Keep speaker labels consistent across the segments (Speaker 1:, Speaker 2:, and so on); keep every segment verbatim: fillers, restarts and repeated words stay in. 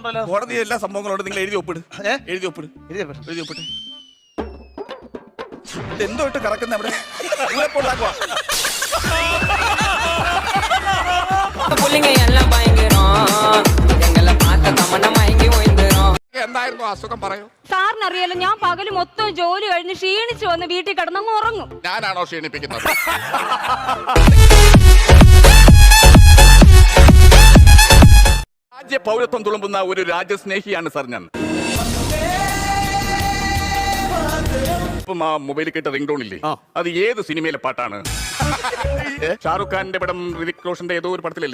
Speaker 1: കോടതി എല്ലാ സംഭവങ്ങളോട് നിങ്ങൾ എഴുതി ഒപ്പിട്. എഴുതി ഒപ്പിട്. എഴുതി ഒപ്പിട്ട്. എന്തോ ഇട്ട് കറക്കുന്ന അവിടെ എന്തായിരുന്നു അസുഖം പറയൂ.
Speaker 2: സാറിന് അറിയാലോ, ഞാൻ പകല് മൊത്തം ജോലി കഴിഞ്ഞ് ക്ഷീണിച്ചു വന്ന് വീട്ടിൽ കിടന്നങ്ങ് ഉറങ്ങും.
Speaker 1: ഞാനാണോ ക്ഷീണിപ്പിക്കുന്നത്? രാജ്യ പൗരത്വം തുളുമ്പുന്ന ഒരു രാജ്യസ്നേഹിയാണ് സാർ ഞാൻ. ഇപ്പം ആ മൊബൈലിൽ കേട്ട റിംഗ് ടോൺ ഇല്ലേ, അത് ഏത് സിനിമയിലെ പാട്ടാണ്? ഷാറുഖ് ഖാന്റെ പടം, ഋതിക് റോഷന്റെ ഏതോ ഒരു പടത്തിലല്ലേ?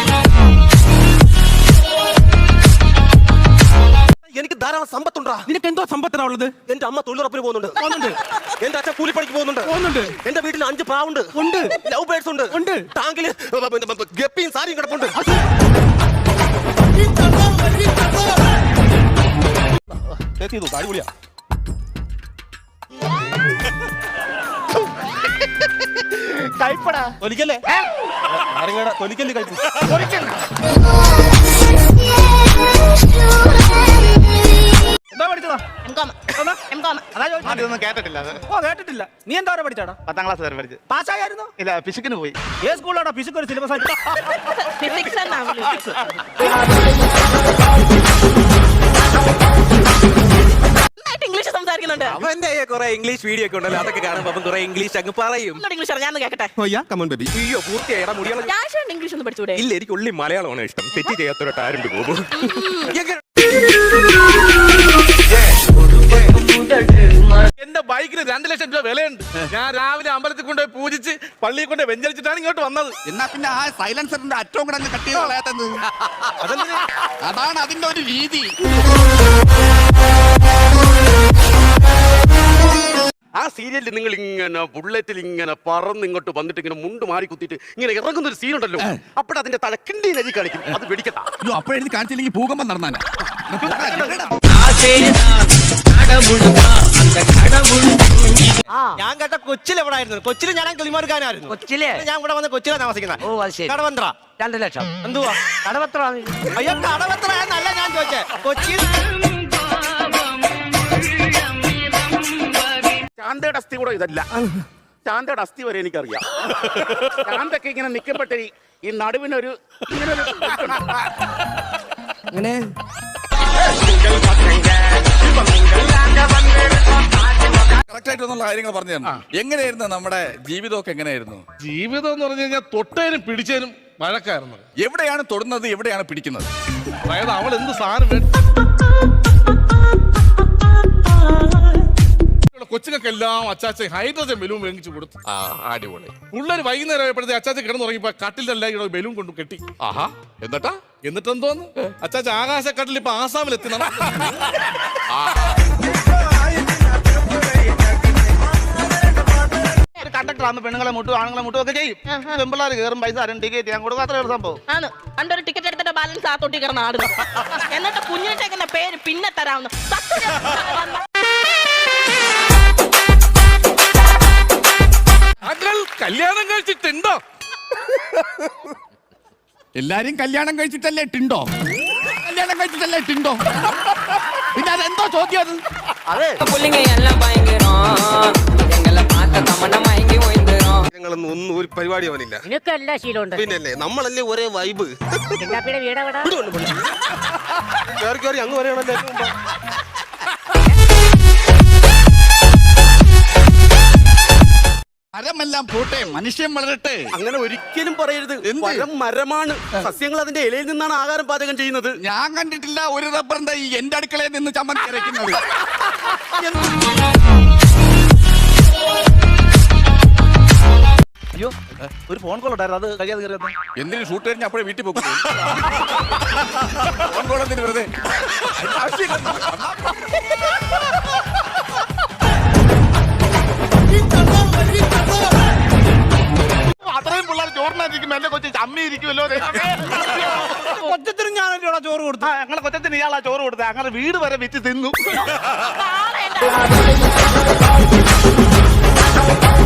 Speaker 3: എനിക്ക് ധാരാളം സമ്പത്തുണ്ടാ.
Speaker 4: നിനക്ക് എന്തോ സമ്പത്താ ഉള്ളത്?
Speaker 3: എന്റെ അമ്മ തൊഴിലുറപ്പിന് പോകുന്നുണ്ട്. എന്റെ അച്ഛൻ കൂലിപ്പണിക്ക് പോകുന്നുണ്ട്. എന്റെ വീട്ടിൽ അഞ്ച് പ്രാവുണ്ട്.
Speaker 4: ഉണ്ട്.
Speaker 3: ലവ് ബേർഡ്സ് ഉണ്ട്. ഉണ്ട്. ടാങ്കില് ഗപ്പിയും സാരിയും കിടപ്പുണ്ട്. അടിപൊളിയാ. കൈപ്പടാ തൊലിക്കല്ലേ? തൊലിക്കല്ലേ കൈപ്പ്? എന്താ പഠിച്ചതാ?
Speaker 5: അതൊന്നും കേട്ടിട്ടില്ല.
Speaker 4: ഓ കേട്ടിട്ടില്ല. നീ എന്താ പഠിച്ചാടാ?
Speaker 5: പത്താം ക്ലാസ് വരെ പഠിച്ചു.
Speaker 4: പാസ്സായിരുന്നു?
Speaker 5: ഇല്ല, ഫിസിക്കിന് പോയി.
Speaker 4: ഏത് സ്കൂളാണോ ഫിസിക്സ് ഒരു സിലബസ് ആയിട്ട്?
Speaker 2: ഇംഗ്ലീഷ് സംസാരിക്കുന്നുണ്ട്.
Speaker 3: അവന്റെ കുറെ ഇംഗ്ലീഷ് വീഡിയോ ഒക്കെ ഉണ്ടല്ലോ, അതൊക്കെ കാണുമ്പോ അവൻ കുറെ ഇംഗ്ലീഷ് അങ്ങ് പറയും.
Speaker 2: ഇംഗ്ലീഷ് ഞാൻ കേട്ടെ.
Speaker 3: അയ്യോ പൂർത്തിയായിടാ മുടികളെ.
Speaker 2: ഇംഗ്ലീഷ് ഒന്ന് പഠിച്ചൂടെ?
Speaker 3: ഇല്ല, എനിക്ക് ഉള്ളി മലയാളമാണ് ഇഷ്ടം. തെറ്റി ചെയ്യാത്തൊരു ആരുണ്ട് പോകും.
Speaker 1: എന്റെ ബൈക്കിന് രണ്ട് ലക്ഷം രൂപ വിലയുണ്ട്. ഞാൻ രാവിലെ അമ്പലത്തിൽ കൊണ്ടുപോയി പൂജിച്ച് പള്ളിയിൽ കൊണ്ട് വെഞ്ചരിച്ചിട്ടാണ് ഇങ്ങോട്ട് വന്നത്.
Speaker 6: എന്നാ പിന്നെ ആ സൈലൻസറിന്റെ അറ്റവും കൂടെ അങ്ങ് കട്ട് ചെയ്ത് കളയാത്തത്. അതാണ് അതിന്റെ ഒരു രീതി.
Speaker 3: ആ സീരിയലിൽ നിങ്ങൾ ഇങ്ങനെ ബുള്ളറ്റിൽ ഇങ്ങനെ പറന്ന് ഇങ്ങോട്ട് വന്നിട്ട് ഇങ്ങനെ മുണ്ട് മാറി കുത്തിയിട്ട് ഇങ്ങനെ ഇറങ്ങുന്ന ഒരു സീൻ ഉണ്ടല്ലോ, അപ്പോഴ അതിന്റെ തലക്കിണ്ടി നരി കളിക്കും. അത് വെടിക്കട്ടാ.
Speaker 6: അപ്പോഴെഴുതി കാണിച്ചില്ലെങ്കിൽ ഭൂകമ്പം നടന്നാണ്.
Speaker 3: ഞാൻ കേട്ട കൊച്ചിൽ എവിടെ ആയിരുന്നു? കൊച്ചിൽ ഞാൻ കിളിമാർക്കാനായിരുന്നു. കൊച്ചിലെ ഞാൻ ഇവിടെ വന്ന് കൊച്ചിലാണ് താമസിക്കുന്നത്. ഓ അത് ശരി. കടവന്ത്ര രണ്ട് ലക്ഷം. എന്തുവാ കടവത്ര? അയ്യോ കടവത്ര എന്നല്ല ഞാൻ ചോദിച്ചേ. കൊച്ചിയിൽ
Speaker 1: ചാന്തയുടെ അസ്ഥി കൂടെ ഇതല്ല. ചാന്തയുടെ അസ്ഥി വരെ എനിക്കറിയാം. ചാന്തൊക്കെ ഇങ്ങനെ നിൽക്കപ്പെട്ട ഈ നടുവിനൊരു ഇങ്ങനെ കറക്റ്റ് ആയിട്ടുള്ള കാര്യങ്ങൾ പറഞ്ഞു തരണം. എങ്ങനെയായിരുന്നു നമ്മുടെ ജീവിതമൊക്കെ? എങ്ങനെയായിരുന്നു
Speaker 7: ജീവിതം എന്ന് പറഞ്ഞു കഴിഞ്ഞാൽ തൊട്ടേനും പിടിച്ചേനും വഴക്കായിരുന്നു.
Speaker 1: എവിടെയാണ് തൊടുന്നത്, എവിടെയാണ് പിടിക്കുന്നത്?
Speaker 7: അതായത് അവൾ എന്ത് സാധനം കൊച്ചുങ്ങൾക്കെല്ലാം അച്ചാച്ച ഹൈഡ്രജൻ ബലൂൺ മേടിച്ചു കൊടുത്തു.
Speaker 1: അടിപൊളി.
Speaker 7: പിള്ളേർ വൈകുന്നേരം ആയപ്പോഴത്തെ അച്ചാച്ച കിടന്നുറങ്ങിപ്പോ കട്ടിലെല്ലാം ബലൂൺ കൊണ്ട് കെട്ടി.
Speaker 1: ആഹാ. എന്നിട്ടാ
Speaker 7: എന്നിട്ട് എന്തോന്ന് അച്ചാച്ച ആകാശക്കട്ടിൽ ഇപ്പൊ ആസാമിൽ എത്തി.
Speaker 5: കണ്ടക്ടർ ആകുമ്പോ പെണ്ണുങ്ങളെ മുട്ടും ആണുങ്ങളെ മുട്ടും ഒക്കെ ചെയ്യും. പെമ്പിള്ളാർ കയറും പൈസ ആരും ടിക്കറ്റ് ഞാൻ കൊടുക്കും. അത്ര ഒരു സംഭവം
Speaker 2: ആണ്. അണ്ടൊരു ടിക്കറ്റ് എടുത്തിട്ട് ബാലൻസ് ആ തൊട്ടി കിടന്ന് ആടുന്നു. എന്നിട്ട് കുഞ്ഞിട്ടേക്കുന്ന പേര് പിന്നെ തരാവുന്നു.
Speaker 7: കല്യാണം കഴിച്ചിട്ടുണ്ടോ?
Speaker 6: എല്ലാരും കല്യാണം കഴിച്ചിട്ടല്ലേ ടിണ്ടോ? കല്യാണം കഴിച്ചിട്ടല്ലേ ടിണ്ടോ? പിന്നെ അതെന്തോ ചോദ്യം അത്?
Speaker 3: അതെ ഞങ്ങളൊന്നും ഒന്നും ഒരു പരിപാടി അവനില്ല.
Speaker 2: എല്ലാ ശീലമുണ്ട്.
Speaker 3: പിന്നല്ലേ നമ്മളല്ലേ ഒരേ വൈബ്. കയറി കയറി അങ്ങ് വരെയാണല്ലേ.
Speaker 6: മരമെല്ലാം പോട്ടെ, മനുഷ്യൻ വളരട്ടെ.
Speaker 3: അങ്ങനെ ഒരിക്കലും പറയരുത്. മരം മരമാണ്. സസ്യങ്ങൾ അതിന്റെ ഇലയിൽ നിന്നാണ് ആഹാരം പാചകം ചെയ്യുന്നത്.
Speaker 6: ഞാൻ കണ്ടിട്ടില്ല ഒരു റബ്ബറിന്റെ ഈ എന്റെ അടുക്കളയിൽ നിന്ന് ചമ്മന്തി അരയ്ക്കുന്നത്.
Speaker 3: അയ്യോ ഒരു ഫോൺ കോൾ ഉണ്ടായിരുന്നു, അത് കഴിയാതെ കയറിയത്.
Speaker 1: എന്തിനു ഷൂട്ട് കഴിഞ്ഞാൽ അപ്പോഴേ വീട്ടിൽ പോകും. ഫോൺ കോൾ എന്തിനു വെറുതെ?
Speaker 5: അത്രയും പിള്ളേർ ചോറിനായിരിക്കും. എന്റെ കൊച്ചു അമ്മ ഇരിക്കുമല്ലോ.
Speaker 4: കൊച്ചത്തിന് ഞാനല്ലോ ചോറ് കൊടുത്തു.
Speaker 5: അങ്ങനെ കൊച്ചത്തിന് ഇയാളാ ചോറ് കൊടുത്തത്. അങ്ങനെ വീട് വരെ വിറ്റ് തിന്നു.